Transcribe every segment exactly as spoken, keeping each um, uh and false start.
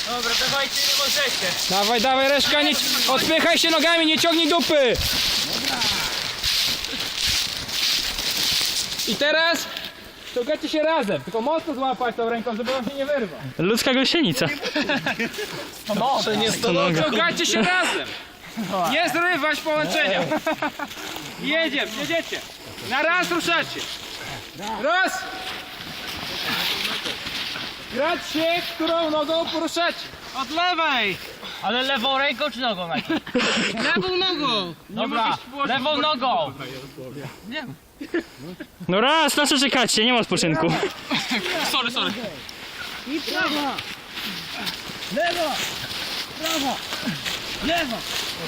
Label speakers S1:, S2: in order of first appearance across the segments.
S1: Dobra, dawajcie, nie możecie.
S2: Dawaj, dawaj, Reszka, nie, odpychaj się nogami, nie ciągnij dupy. I teraz ściągacie się razem, tylko mocno złapać tą ręką, żeby on się nie wyrwał.
S3: Ludzka gąsienica.
S1: Może nie
S2: Ściągacie się razem. Nie zrywać połączenia. Jedziemy, jedziecie. Na raz ruszacie. Raz. Grać się, którą nogą poruszacie.
S1: Od lewej! Ale lewą ręką czy nogą najpierw? Lewą nogą! Dobra, lewą nogą! Nie.
S3: No raz, na co czekacie? Nie ma odpoczynku.
S1: Sorry, sorry.
S2: I prawa. Lewa. Prawa. Lewa.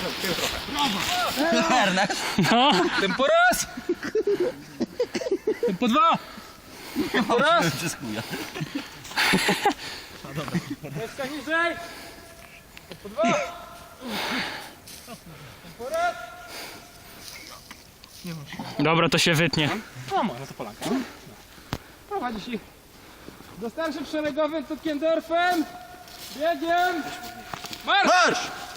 S3: No.
S2: Tempo raz. Tempo dwa. Tempo raz. Reszka niżej. Tempo dwa. Tempo raz.
S3: Dobra, to się wytnie.
S2: No może to Polanka. Prowadzisz ich do starszym szeregowym Tutkendorfem. Biegiem. Marsz! Marsz!